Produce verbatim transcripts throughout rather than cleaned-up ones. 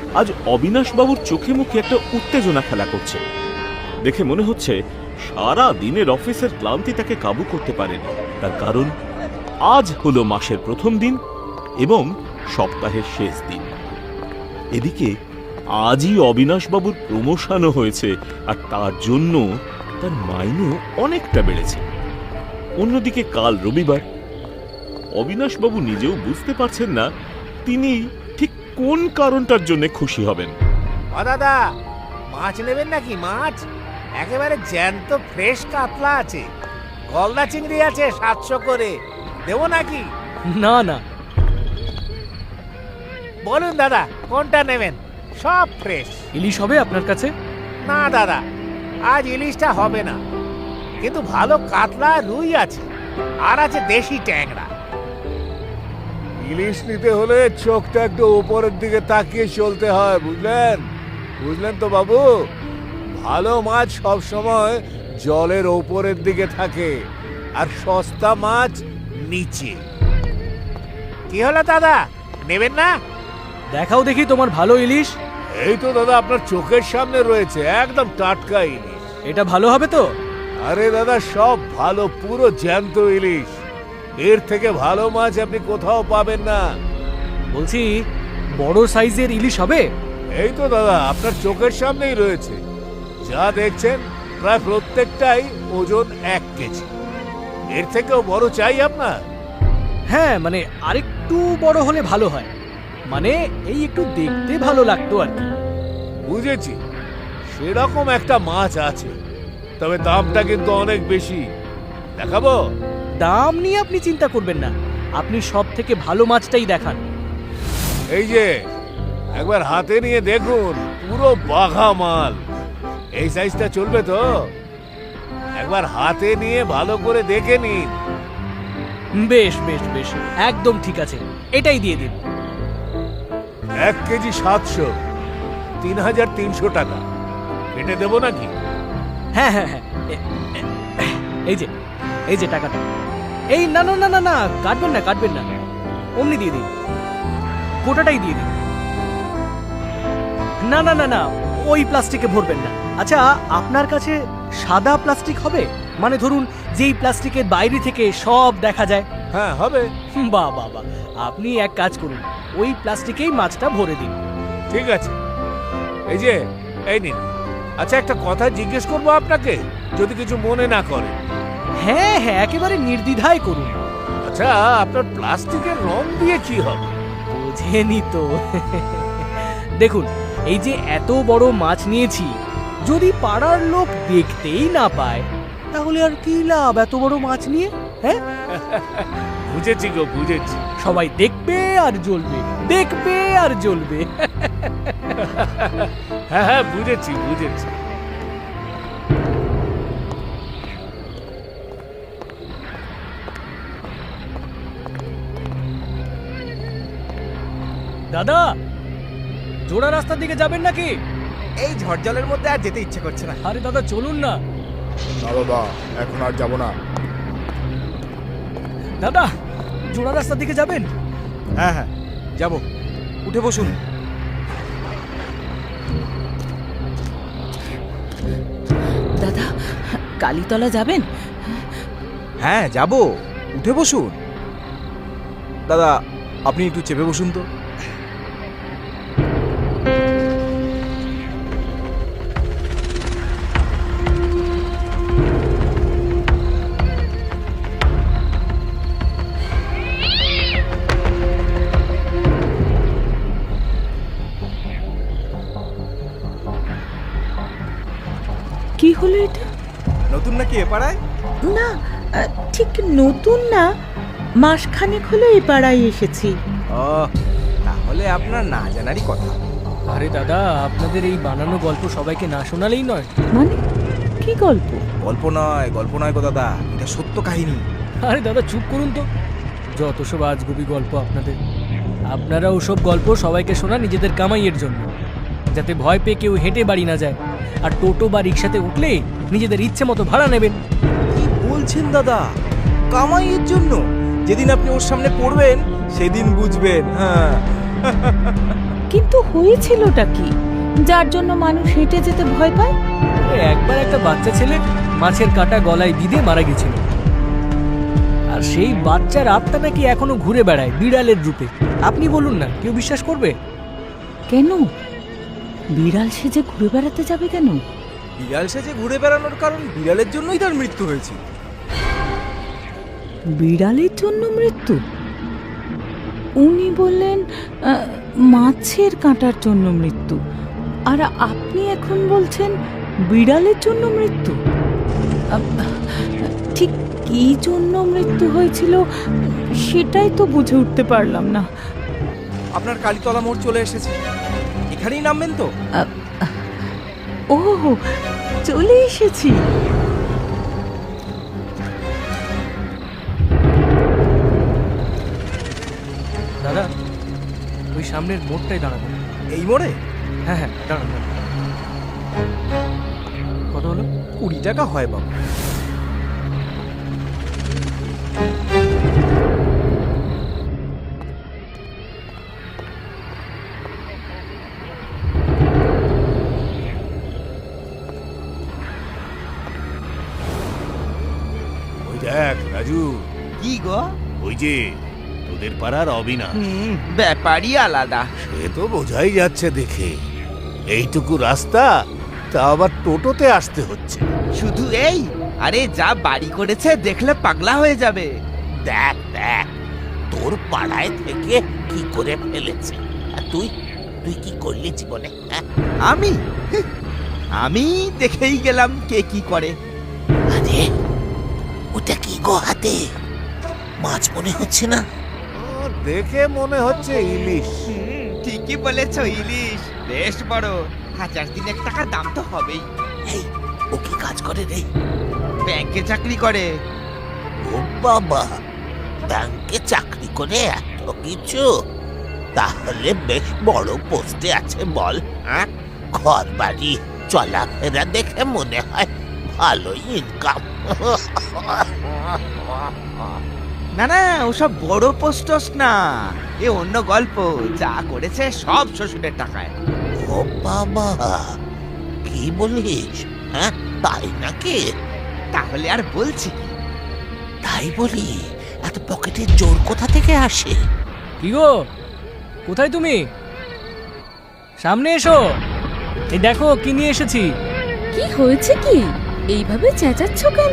আজ অবিনাশ বাবুর চোখে মুখে একটা উত্তেজনা খেলা করছে। দেখে মনে হচ্ছে সারা দিনের অফিসের ক্লান্তি তাকে কাবু করতে পারেনি। তার কারণ আজ হলো মাসের প্রথম দিন এবং সপ্তাহের শেষ দিন। এদিকে আজই অবিনাশ বাবুর প্রমোশনও হয়েছে, আর তার জন্য তার মাইনেও অনেকটা বেড়েছে। অন্যদিকে কাল রবিবার। অবিনাশ বাবু নিজেও বুঝতে পারছেন না তিনি ঠিক কোন কারণটার জন্য খুশি হবেন। ও দাদা, মাছ নেবেন নাকি? মাছ একেবারে জ্যান্ত ফ্রেশ কাতলা আছে, গলদা চিংড়ি আছে সাতশো করে, দেবো নাকি? না না, বলুন দাদা কোনটা নেবেন? সব ফ্রেশ। ইলিশ হবে আপনার কাছে? না দাদা, আজ ইলিশটা হবে না, কিন্তু ভালো কাতলা রুই আছে, আর আছে দেশি ট্যাংরা। ইলিশ নিতে হলে চোখটা একটু উপরের দিকে তাকিয়ে চলতে হয়, বুঝলেন? বুঝলেন তো বাবু, ভালো মাছ সব সময় জলের উপরের দিকে থাকে, আর সস্তা মাছ নিচে। কি হলো দাদা, নেবেন না? দেখাও দেখি তোমার ভালো ইলিশ। এই তো দাদা আপনার চোখের সামনে রয়েছে, একদম টাটকা ইলিশ। এটা ভালো হবে তো? আরে দাদা, সব ভালো, পুরো জ্যান্ত ইলিশ। এর থেকে ভালো মাছ আপনি কোথাও পাবেন না। বলছি, বড় সাইজের ইলিশ হবে? এই তো দাদা আপনার চোখের সামনেই রয়েছে, যা দেখছেন প্রায় প্রত্যেকটাই ওজন এক কেজি। এর থেকেও বড় চাই আপনার? হ্যাঁ, মানে আরেকটু বড় হলে ভালো হয়, মানে এই একটু দেখতে ভালো লাগতো আর কি। বুঝেছি, সেরকম একটা মাছ আছে, তবে দামটা কিন্তু অনেক বেশি। দেখাবো? দাম নিয়ে আপনি চিন্তা করবেন না, আপনি সব থেকে ভালো মাছটাই দেখান। এই যে একবার হাতে নিয়ে দেখুন, পুরো বাঘা মাল। এই সাইজটা চলবে তো? একবার হাতে নিয়ে ভালো করে দেখে নিন। বেশ বেশ বেশ, একদম ঠিক আছে, এটাই দিয়ে দিন। এক কেজি সাতশো, তিন হাজার তিনশো টাকা। কেটে দেবো নাকি? হ্যাঁ হ্যাঁ হ্যাঁ, এ- এ- এই যে এই যে টাকাটা। এই না না না না না, কাটবেন না কাটবেন না, অমনি দিয়ে দিন, গোটাটাই দিয়ে দিন। না না না না, ওই প্লাস্টিকে ভরবেন না। আচ্ছা, আপনার কাছে সাদা প্লাস্টিক হবে? মানে ধরুন যেই প্লাস্টিকের বাইরে থেকে সব দেখা যায়। হ্যাঁ হবে। বাহ বাহ বাহ, আপনি এক কাজ করুন, ওই প্লাস্টিকেই মাছটা ভরে দিন। ঠিক আছে, এই যে এই নিন। আচ্ছা, একটা কথা জিজ্ঞেস করবো আপনাকে, যদি কিছু মনে না করে। হ্যাঁ হ্যাঁ, একেবারে নির্দ্বিধায় করুন। আচ্ছা, আপনার প্লাস্টিকের রং দিয়ে কি হবে? বোঝেনি তো। দেখুন, এই যে এত বড় মাছ নিয়েছি, যদি পাড়ার লোক দেখতেই না পায়, তাহলে আর কি লাভ এত বড় মাছ নিয়ে? হ্যাঁ, বুঝেছি গো, বুঝেছি। সবাই দেখবে আর জ্বলবে, দেখবে আর জ্বলবে। হ্যাঁ হ্যাঁ, বুঝেছি বুঝেছি। দাদা, জোড়া রাস্তার দিকে যাবেন নাকি? এই ঝড় জলের মধ্যে আর যেতে ইচ্ছে করছে না। আরে দাদা, চলুন না। না বাবা, এখন আর যাব না। দাদা, জোড়া রাস্তার দিকে যাবেন? হ্যাঁ হ্যাঁ যাব, উঠে বসুন। দাদা, কালীতলা যাবেন? হ্যাঁ যাব, উঠে বসুন। দাদা, আপনি একটু চেপে বসুন তো। কি হলো এটা? নতুন নাকি এ পাড়ায়? না, আহ, ঠিক নতুন না, মাসখানেক হলো এই পাড়ায় এসেছি। ও, তাহলে আপনার না জানারই কথা। আরে দাদা, আপনাদের এই বানানো গল্প সবাইকে না শোনালেই নয়। মানে কি গল্প? গল্প নয়, গল্প নয় গো দাদা, এটা সত্য কাহিনী। আরে দাদা, চুপ করুন তো, যত সব আজগুবি গল্প আপনাদের। আপনারা ওসব গল্প সবাইকে শোনা নিজেদের কামাইয়ের জন্য, যাতে ভয় পেয়ে কেউ হেঁটে বাড়ি না যায়, আর টোটো বা রিক্সাতে উঠলে নিজেদের ইচ্ছে মতো ভাড়া নেবেন। কি বলছেন দাদা? কামাইয়ের জন্য? যেদিন আপনি ওর সামনে পড়বেন সেদিন বুঝবেন। হ্যাঁ কিন্তু হয়েছিলটা কি যার জন্য মানুষ হেঁটে যেতে ভয় পায়? একবার একটা বাচ্চা ছেলে মাছের কাঁটা গলায় বিঁধে মারা গেছিল, আর সেই বাচ্চার আত্মা নাকি এখনো ঘুরে বেড়ায় বিড়ালের রূপে। আপনি বলুন না, কেউ বিশ্বাস করবে? কেন বিড়াল সেজে ঘুরে বেড়াতে যাবে কেন? বিড়াল সেজে ঘুরে বেড়ানোর কারণ বিড়ালের জন্যই তার মৃত্যু হয়েছে। বিড়ালের জন্য মৃত্যু? উনি বললেন আহ, মাছের কাঁটার জন্য মৃত্যু, আর আপনি এখন বলছেন বিড়ালের জন্য মৃত্যু। আহ, ঠিক কি জন্য মৃত্যু হয়েছিল সেটাই তো বুঝে উঠতে পারলাম না। আপনার কালীতলা মোড় চলে এসেছে, এখানেই নামবেন তো? ও, চলে এসেছি। দাদা, ওই সামনের মোড়টাই দাঁড়াবো। এই মোড়ে? হ্যাঁ হ্যাঁ, দাঁড়ান দাঁড়ান। কত হলো? কুড়ি টাকা হয় বাবু। ওই দেখ রাজু, কি গো? ওই যে তোদের পাড়ার অবিনাশ, হুম, ব্যাপারই আলাদা। সে তো বোঝাই যাচ্ছে দেখে। এইটুকু রাস্তা তা আবার টোটোতে আসতে হচ্ছে। শুধু এই, আরে যা বাড়ি করেছে দেখলে পাগলা হয়ে যাবে। দেখ দেখ তোর পাড়ায় থেকে কি করে ফেলেছে। আর তুই তুই কি করলি জীবনে? হ্যাঁ? আমি আমি দেখেই গেলাম কে কি করে। আরে ওটা কি গো হাতে? মাছ মনে হচ্ছে না? ও, দেখে মনে হচ্ছে ইলিশ। হুম, ঠিকই বলেছ, ইলিশ বেশ বড়। হাজার দিনের টাকা দাম তো হবেই। এই ও কি কাজ করে রে? ব্যাংকে চাকরি করে। ও বাবা, ব্যাংকে চাকরি করে এত কিছু? তাহলে বেশ বড় পোস্টে আছে বল। হ্যাঁ, ঘর বাড়ি চলাফেরা দেখে মনে হয় ভালো ইনকাম। না না, ওসব বড় পোস্টস না, এ অন্য গল্প। যা করেছে সব শ্বশুরের টাকায়। ও বাবা, কি বলিস? হ্যাঁ, তাই নাকি? তাহলে আর বলছি কি? তাই বলি, এত পকেটের জোর কোথা থেকে আসে? কি গো, কোথায় তুমি? সামনে এসো, এই দেখো কি নিয়ে এসেছি। কি হয়েছে কি? এইভাবে চেঁচাচ্ছ কেন?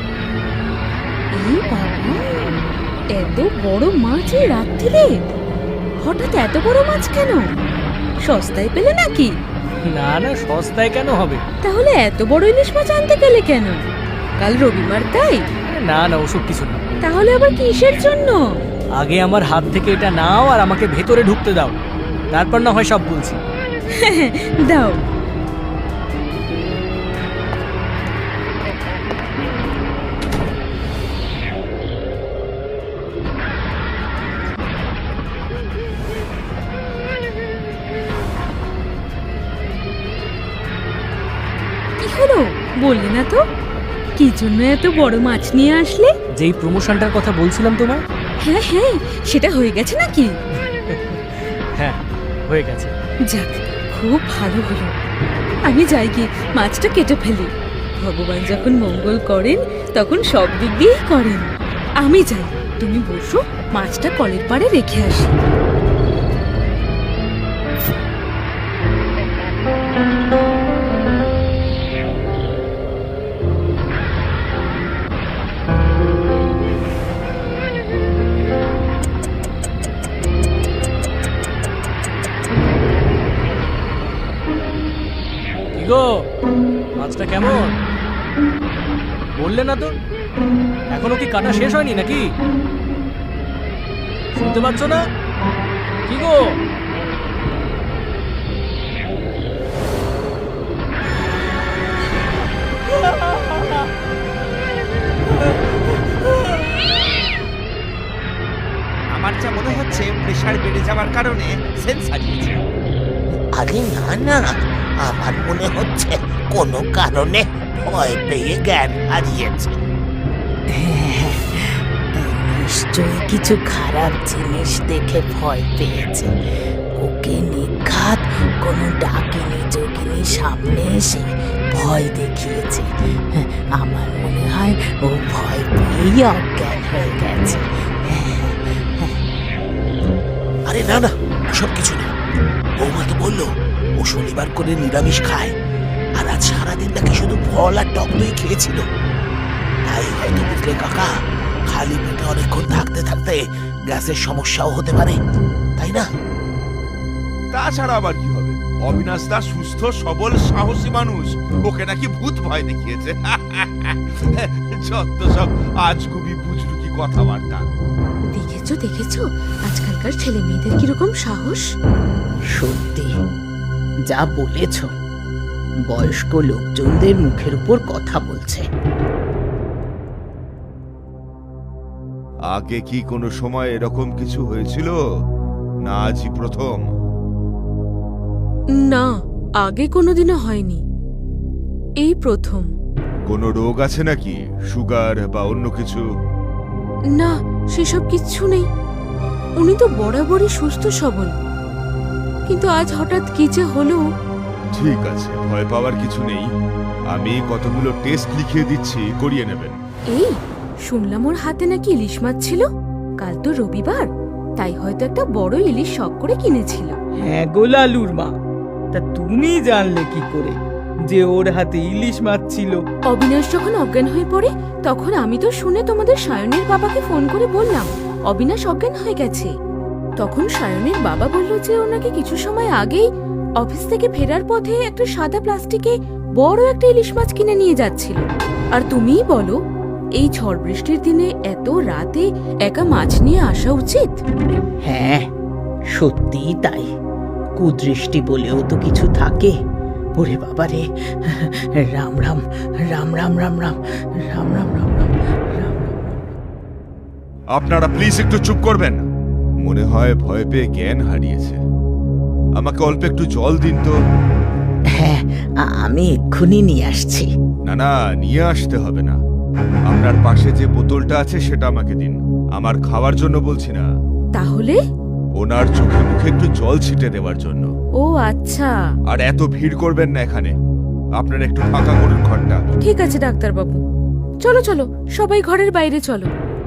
এই বাবা, এত বড় মাছ এই রাত্রিরে? হঠাৎ এত বড় মাছ কেন? সস্তায় পেলে নাকি? না না, সস্তায় কেন হবে? তাহলে এত বড় ইলিশ মাছ আনতে গেলে কেন? কাল রবিবার তাই? না না, ওসব কিছু না। তাহলে আবার কিসের জন্য? আগে আমার হাত থেকে এটা নাও আর আমাকে ভেতরে ঢুকতে দাও, তারপর না হয় সব বলছি। দাও। কি হলো বললে না তো? কি জন্য এত বড় মাছ নিয়ে আসলে? যেই প্রমোশনটার কথা বলছিলাম তোমায়। হ্যাঁ হ্যাঁ, সেটা হয়ে গেছে নাকি? হ্যাঁ, হয়ে গেছে। যাক, খুব ভালো হলো। আমি যাই গিয়ে মাছটা কেটে ফেলি। ভগবান যখন মঙ্গল করেন তখন সব দিক দিয়েই করেন। আমি যাই, তুমি বসো, মাছটা কলের পাড়ে রেখে আসি। কি গো, মাছটা কেমন? বললে না তো, এখনো কি কাটা শেষ হয়নি নাকি? শুনতে পাচ্ছ না? কি গো? আমার যা মনে হচ্ছে প্রেসার বেড়ে যাওয়ার কারণে সেন্স হারিয়েছে। আরে না না, আমার মনে হচ্ছে কোনো কারণে ভয় পেয়ে জ্ঞান হারিয়েছে। নিশ্চয়ই কিছু খারাপ জিনিস দেখে ভয় পেয়েছে। ওকে ওকে নিঘাত কোনো ডাকিনি যোগিনী সামনে এসে ভয় দেখিয়েছে। আমার মনে হয় ও ভয় পেয়েই অজ্ঞান হয়ে গেছে। আরে না না, ওসব কিছু না। বৌমা তো বললো ও শনিবার করে নিরামিষ খায়, আর আজ সারাদিন নাকি শুধু ফল আর টক দই খেয়েছিল। তাই হয়তো বুঝলে কাকা, খালি পেটে অনেকক্ষণ থাকতে থাকতে গ্যাসের সমস্যাও হতে পারে, তাই না? তাছাড়া আবার কি হবে? অবিনাশ দা সুস্থ সবল সাহসী মানুষ, ওকে নাকি ভূত ভয় দেখিয়েছে। যত সব আজগুবি বুজরুকি কথাবার্তা। দেখেছো দেখেছো আজকালকার ছেলে মেয়েদের কিরকম সাহস। সত্যি যা বলেছ, বয়স্ক লোকজনদের মুখের উপর কথা বলছে। আগে কি কোনো সময় এরকম কিছু হয়েছিল, না আজই প্রথম? না, আগে কোনোদিনও হয়নি, এই প্রথম। কোনো রোগ আছে নাকি, সুগার বা অন্য কিছু? না, সেসব কিচ্ছু নেই। উনি তো বরাবরই সুস্থ সবল, কিন্তু আজ হঠাৎ কি যে হলো। ঠিক আছে, ভয় পাওয়ার কিছু নেই। আমি কতগুলো টেস্ট লিখিয়ে দিচ্ছি, করিয়ে নেবেন। এই শুনলাম ওর হাতে নাকি ইলিশ মাছ ছিল। কাল তো রবিবার, তাই হয়তো একটা বড় ইলিশ শখ করে কিনেছিল। হ্যাঁ গো লালুর মা, তা তুমি জানলে কি করে যে ওর হাতে ইলিশ মাছ ছিল? অবিনাশ যখন অজ্ঞান হয়ে পড়ে, তখন আমি তো শুনে তোমাদের সায়নের বাবাকে ফোন করে বললাম অবিনাশ অজ্ঞান হয়ে গেছে। তখন সায়নের বাবা বলল যে ওনাকে কিছু সময় আগেই অফিস থেকে ফেরার পথে একটা সাদা প্লাস্টিকে বড় একটা ইলিশ মাছ কিনে নিয়ে যাচ্ছিল। আর তুমিই বলো, এই ঝড় বৃষ্টির দিনে এত রাতে একা মাছ নিয়ে আসা উচিত? হ্যাঁ, সত্যিই তাই। কুদৃষ্টি বলেও তো কিছু থাকে। ওরে বাবা রে, রাম রাম রাম রাম রাম রাম রাম রাম রাম রাম রাম। আপনারা প্লিজ একটু চুপ করবেন। মনে হয় ভয় পেয়ে জ্ঞান হারিয়েছে। আমাকে অল্প একটু জল দিন তো। হ্যাঁ, আমি এক্ষুনি নিয়ে আসছি। না না, নিয়ে আসতে হবে না। আপনার পাশে যে বোতলটা আছে সেটা আমাকে দিন। আমার খাওয়ার জন্য বলছি না, তাহলে? ওনার চোখে মুখে একটু জল ছিটে দেওয়ার জন্য। ও আচ্ছা। আর এত ভিড় করবেন না এখানে। আপনারা একটু ফাঁকা করুন ঘরটা। ঠিক আছে ডাক্তারবাবু, চলো চলো সবাই ঘরের বাইরে চলো।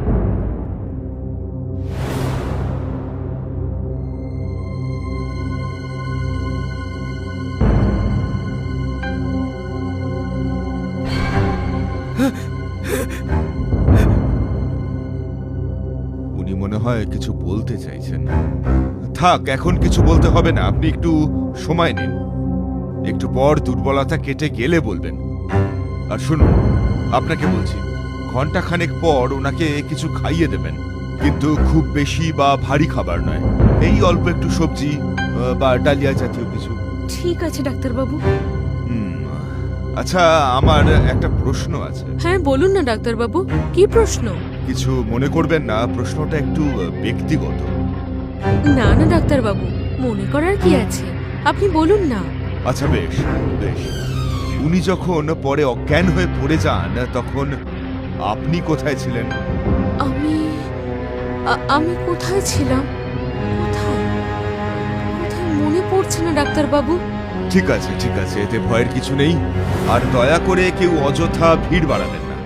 উনি মনে হয় কিছু বলতে চাইছেন। থাক, এখন কিছু বলতে হবে না, আপনি একটু সময় নিন। একটু পর দুর্বলতা কেটে গেলে বলবেন। আর শুনুন, আপনাকে বলছি, ঘন্টা খানেক পর ওনাকে কিছু খাইয়ে দেবেন, কিন্তু খুব বেশি বা ভারী খাবার নয়। এই অল্প একটু সবজি আহ, বা ডালিয়া জাতীয় কিছু। ঠিক আছে ডাক্তারবাবু। হুম, আচ্ছা, আমার একটা প্রশ্ন আছে। হ্যাঁ বলুন না ডাক্তারবাবু, কি প্রশ্ন? কিছু মনে করবেন না, প্রশ্নটা একটু ব্যক্তিগত। না না ডাক্তারবাবু, মনে করার কি আছে, আপনি বলুন না। আচ্ছা বেশ বেশ, উনি যখন পরে অজ্ঞান হয়ে পড়ে যান, তখন আপনি কোথায় ছিলেন? আমি আ- আমি কোথায় ছিলাম? কোথায় কোথায় মনে পড়ছে না ডাক্তারবাবু। ঠিক আছে ঠিক আছে, এতে ভয়ের কিছু নেই। আর দয়া করে কেউ অযথা ভিড় বাড়াবেন না।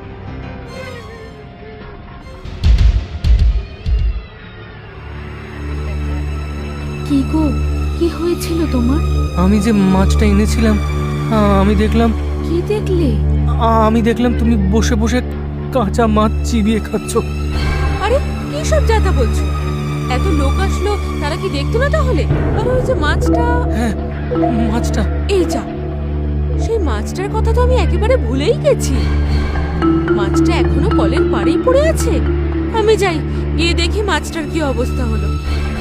কি গো, কি হয়েছিল তোমার? আমি যে মাছটা এনেছিলাম, আ, আমি দেখলাম কি দেখলে? আ, আমি দেখলাম তুমি বসে বসে কাঁচা মাছ চিবিয়ে খাচ্ছ। আরে কি সব যাতা বলছো? এত লোক আসলো, তারা কি দেখতো না তাহলে? আর ওই যে মাছটা, হ্যাঁ, মাছটা। এই যা, সেই মাছটার কথা তো আমি একেবারে ভুলেই গেছি। মাছটা এখনো কলের পাড়েই পড়ে আছে। আমি যাই, গিয়ে দেখি মাছটার কি অবস্থা হলো।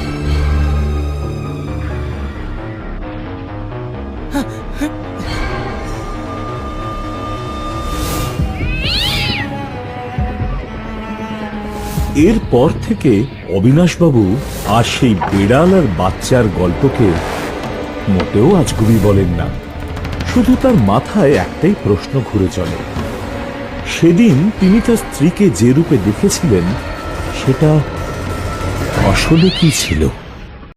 এরপর থেকে অবিনাশবাবু আর সেই বিড়াল আর বাচ্চার গল্পকে মোটেও আজগুবি বলেন না। শুধু তার মাথায় একটাই প্রশ্ন ঘুরে চলে, সেদিন তিনি তার স্ত্রীকে যে রূপে দেখেছিলেন সেটা আসলে কি ছিল।